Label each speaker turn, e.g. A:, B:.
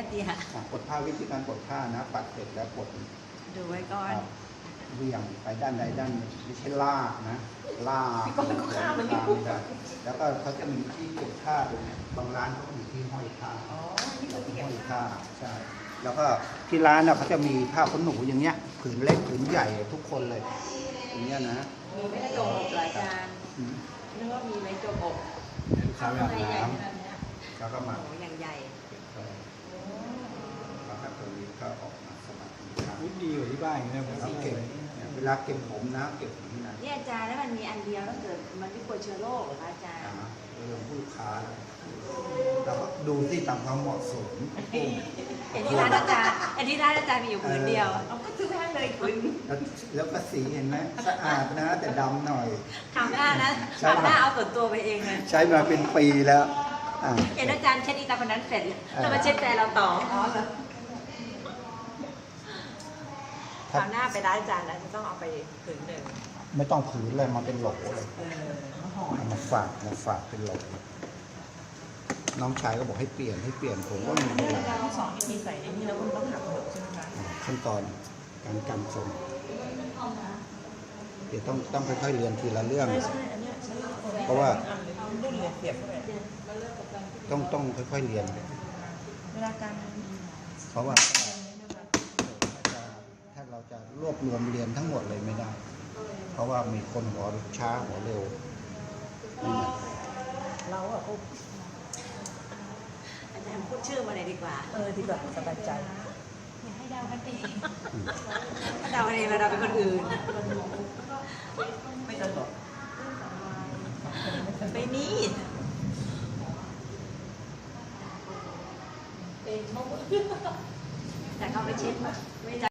A: เตี้ย
B: ปลดผ้าวิธีการปลดผ้านะปัดเสร็จแล้วปลด
A: ดูไว้ก่อน
B: เหวี่ยงไปด้านใดด้านหนึ่งไม่ใช่ลากนะลากไม่ได้แล้วก็เขาจะมีที่เก็บผ้าด้วยนะบางร้านเขาก็มีที่ห้อยผ้าห้อยผ้าใช่แล้วก็ที่ร้านเขาจะมีผ้าขนหนูอย่างเงี้ยผืนเล็กผืนใหญ่ทุกคนเลยอย่างเงี้ยนะ
A: มีไม่ได้จมอกเหรออาจารย์นึกว่ามีไว้จมอก
B: ข้าวอาบน้ำแล้วก็มา
A: อย่างใหญ่
B: แล้วก็ตัวนี้ก็ออกมาสมัคร
C: ดีกว่าที่บ้านอย่างนี้นะผม
B: เก็บเวลาเก็บผมนะเก็บอย่างนี้นะ
A: นี่อาจารย์แล้วมันมีอันเดียวแล้วเกิดมันไม่กลัวเชื้อโรคเหรอคะอาจารย์
B: เรื่องผู้ค้าเราก็ดูที่ตามความเหมาะสม
A: เห็นที่ร้านอาจารย์มีอยู่ผืนเดียวเอาก็ซื้อให้เลยผืน
B: แล้วก็สีเห็นไหมสะอาดนะแต่ดำหน่อย
A: คราวหน้าเอาส่วนตัวไปเองเลย
B: ใช้มาเป็นปีแล้ว
A: เห็นอาจารย์เช็ดอีตาคนนั้นเสร็จแล้วมาเช็ดแฟนเราต่อคราวหน้าไปร้านอาจารย์นะจะต้องเอาไปผืนหนึ่ง
B: ไม่ต้องผืนเลยมาเป็นโหลเลยมาฝากเป็นโหลน้องชายก็บอกให้เปลี่ยนผมก็ไม่เป็นไร
A: สอนวิธีใส่ในนี้แล้วคุณต้องหักหมดใช่ไหมคะ
B: ขั้นตอนการกันทรงเดี๋ยวต้องค่อยๆเรียนทีละเรื่องเพราะว่าต้องค่อยๆเรียน
A: เวลาการ
B: เพราะว่าถ้าเราจะรวบรวมเรียนทั้งหมดเลยไม่ได้เพราะว่ามีคนหัวช้าหัวเร็ว
A: เราอะอาจารย์พูดชื่อมาเลยดีกว่า
D: ดีกว่าสบายใจ
A: อย่าให้เดากันเองถ้าเดากันเองเราเดาเป็นคนอื่น
D: ไม่ตลก
A: ไม่มีแต่เขาไปเช็ดไม่